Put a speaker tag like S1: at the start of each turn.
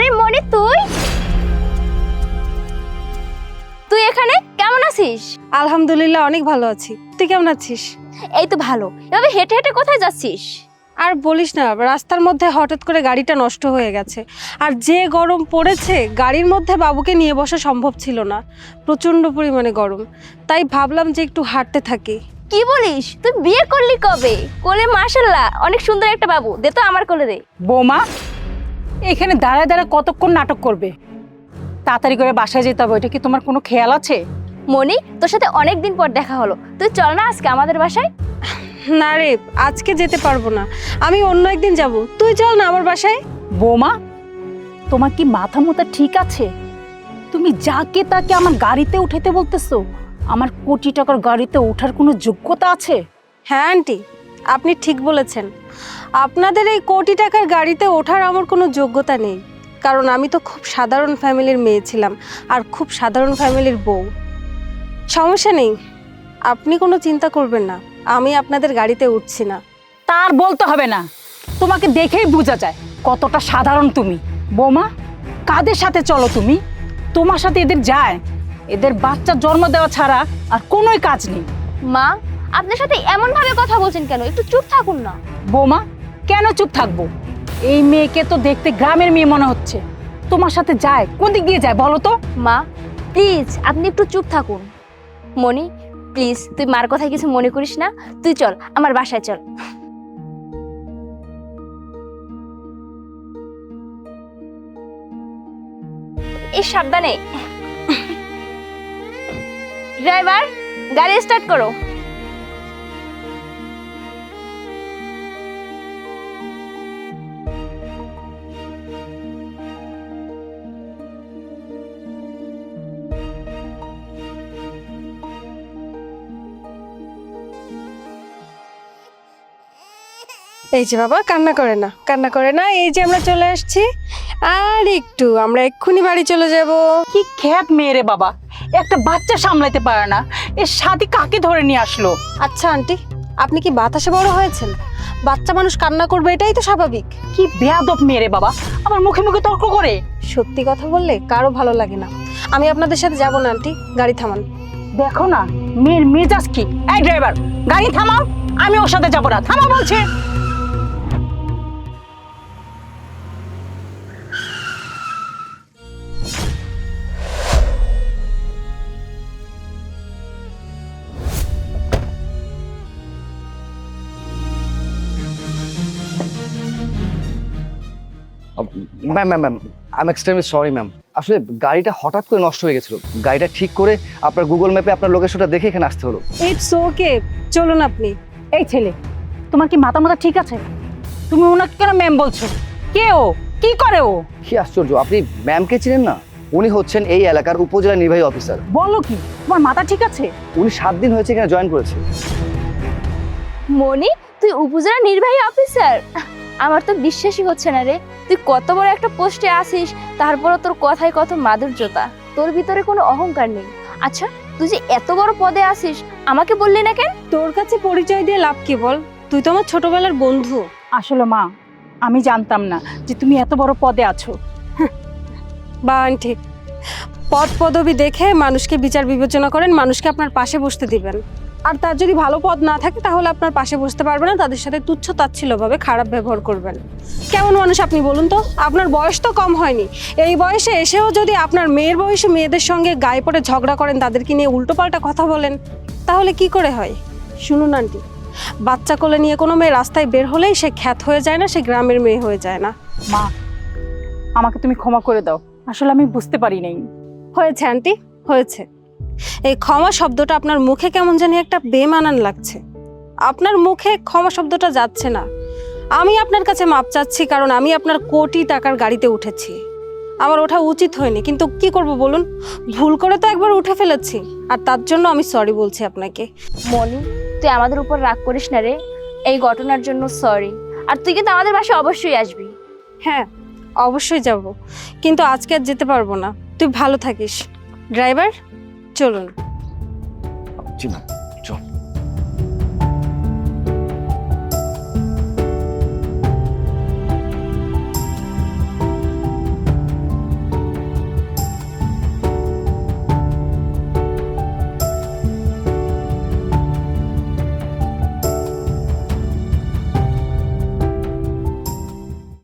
S1: আরে মনি, তুই তুই এখানে কেমন আছিস?
S2: আলহামদুলিল্লাহ অনেক ভালো আছি। তুই কেমন আছিস?
S1: এই তো ভালো। এভাবে হেঁটে হেঁটে কোথায় যাচ্ছিস?
S2: আর বলিস না, রাস্তার মধ্যে হঠাৎ করে গাড়িটা নষ্ট হয়ে গেছে। আর যে গরম পড়েছে, গাড়ির মধ্যে বাবুকে নিয়ে বসা সম্ভব ছিল না। প্রচণ্ড পরিমাণে গরম, তাই ভাবলাম যে একটু হাঁটতে থাকি।
S1: কি বলিস? তুই বিয়ে করলি কবে? কোলে মাশাআল্লাহ অনেক সুন্দর একটা বাবু, দে তো আমার কোলে দে।
S3: বৌমা, এখানে দাঁড়ায় দাঁড়ায় কতক্ষণ নাটক করবে? তাড়াতাড়ি করে বাসায় যেতে হবে, এটা কি তোমার কোনো খেয়াল আছে?
S1: মনি, তোর সাথে অনেক দিন পর দেখা হলো, তুই চল না আজকে আমাদের বাসায়।
S2: না রে, আজকে যেতে পারবো না, আমি অন্য একদিন যাব। তুই চল না আমার বাসায়।
S3: বৌমা, তোমার কি মাথা মোথা ঠিক আছে? তুমি যাকে তাকে আমার গাড়িতে উঠাতে বলতেছো? আমার কোটি টাকার গাড়িতে ওঠার কোনো যোগ্যতা আছে?
S2: হ্যাঁ আন্টি, আপনি ঠিক বলেছেন। আপনাদের এই কোটি টাকার গাড়িতে ওঠার আমার কোনো যোগ্যতা নেই, কারণ আমি তো খুব সাধারণ ফ্যামিলির মেয়ে ছিলাম, আর খুব সাধারণ ফ্যামিলির বউ। সমস্যা নেই, আপনি কোনো চিন্তা করবেন না, আমি আপনাদের গাড়িতে উঠছি না।
S3: তার বলতে হবে না, তোমাকে দেখেই বোঝা যায় কতটা সাধারণ তুমি। বৌমা, কাদের সাথে চলো তুমি? তোমার সাথে এদের যায়? এদের বাচ্চা জন্ম দেওয়া ছাড়া আর কোনোই কাজ নেই।
S1: মা, আপনার সাথে এমন ভাবে কথা বলছেন কেন? একটু চুপ থাকুন না।
S3: বৌমা, কেন চুপ থাকবো? এই মেয়েকে তো দেখতে গ্রামের মেয়ে মনে হচ্ছে। তোমার সাথে যায়, কোন দিক দিয়ে যায় বলো তো?
S1: মা প্লিজ, আপনি একটু চুপ থাকুন। মনি প্লিজ, তুই মার কথায় কিছু মনে করিস না, তুই চল আমার বাসায় চল। এই সাবধানে। ড্রাইভার, গাড়ি স্টার্ট করো।
S2: এই যে বাবা, কান্না করে না, কান্না করে না, এই যে আমরা চলে আসছি। আর একটু, আমরা এক্ষুনি বাড়ি চলে যাব।
S3: কি খ্যাত মেয়ে রে বাবা, একটা বাচ্চা সামলাইতে পারে না, এর সাথে কাকে ধরে নিয়ে আসলো?
S2: আচ্ছা আন্টি, আপনি কি বাতাসে বড় হয়েছেন? বাচ্চা মানুষ কান্না করবে, এটাই তো স্বাভাবিক।
S3: কি বেয়াদব মেয়ে রে বাবা, আমার মুখে মুখে তর্ক করে।
S2: সত্যি কথা বললে কারো ভালো লাগে না। আমি আপনাদের সাথে যাব না আন্টি, গাড়ি থামান।
S3: দেখো না মেয়ের মেজাজ কি। এই ড্রাইভার, গাড়ি থামাও, আমি ওর সাথে যাবো না, থামা বলছে।
S4: Ma'am ma'am ma'am I am extremely sorry ma'am. আসলে গাড়িটা হঠাৎ করে নষ্ট হয়ে গেছিল, গাড়িটা ঠিক করে আপনার গুগল ম্যাপে আপনার লোকেশনটা দেখে এখানে আসতে হলো।
S2: ইটস ওকে, চলুন আপনি।
S3: এই ছেলে, তোমার কি মাথা মাথা ঠিক আছে? তুমি ওনাকে কেন ম্যাম বলছো? কে ও? কি করে ও?
S4: কি আশ্চর্য, আপনি ম্যামকে চিনেন না? উনি হচ্ছেন এই এলাকার উপজেলা নির্বাহী অফিসার।
S3: বলো কি, তোমার মাথা ঠিক আছে?
S4: উনি 7 দিন হয়েছে এখানে জয়েন করেছে।
S1: মনি, তুই উপজেলা নির্বাহী অফিসার? আমার তো বিশ্বাসই হচ্ছে না রে, তুই কত বড় একটা পোস্টে আসিস, তারপরও তোর কথায় কত মাধুর্যতা, তোর ভিতরে কোনো অহংকার নেই। আচ্ছা, তুই যে এত বড় পদে আসিস, আমাকে বললি না কেন?
S2: তোর কাছে পরিচয় দিয়ে লাভ কি বল? তুই তো আমার ছোটবেলার বন্ধু।
S3: আসলে মা, আমি জানতাম না যে তুমি এত বড় পদে আছো।
S2: বা আন্টি, পদ পদবি দেখে মানুষকে বিচার বিবেচনা করেন, মানুষকে আপনার পাশে বসতে দিবেন। আর তার যদি ভালো পদ না থাকে তাহলে আপনার পাশে বসতে পারবে না, তাদের সাথে তুচ্ছ তাচ্ছিল্যভাবে খারাপ ব্যবহার করবেন। কেমন মানুষ আপনি বলুন তো? আপনার বয়স তো কম হয়নি, এই বয়সে এসেও যদি আপনার মেয়ের বয়সে মেয়েদের সঙ্গে গায়ে পড়ে ঝগড়া করেন, তাদেরকে নিয়ে উল্টোপাল্টা কথা বলেন, তাহলে কি করে হয়? শুনুন আন্টি, বাচ্চা কোলে নিয়ে কোনো মেয়ে রাস্তায় বের হলেই সে খ্যাত হয়ে যায় না, সে গ্রামের মেয়ে হয়ে যায় না।
S3: মা, আমাকে তুমি ক্ষমা করে দাও, আসলে আমি বুঝতে পারি নাই।
S2: হয়েছে আন্টি, হয়েছে। এই ক্ষমা শব্দটা আপনার মুখে কেমন জানি একটা বেমানান লাগছে। আপনার মুখে ক্ষমা শব্দটা যাচ্ছে না। আমি আপনার কাছে মাপ চাচ্ছি, কারণ আমি আপনার কোটি টাকার গাড়িতে উঠেছি। আমার ওঠা উচিত হয়নি, কিন্তু কি করব বলুন? ভুল করে তো একবার উঠে ফেলেছি, আর তার জন্য আমি সরি বলছি আপনাকে।
S1: মনি, তুই আমাদের উপর রাগ করিস না রে, এই ঘটনার জন্য সরি। আর তুই কিন্তু আমাদের বাসায় অবশ্যই আসবি।
S2: হ্যাঁ, অবশ্যই যাব, কিন্তু আজকে আর যেতে পারবো না। তুই ভালো থাকিস। ড্রাইভার, চলুন।
S4: জি ম্যাম।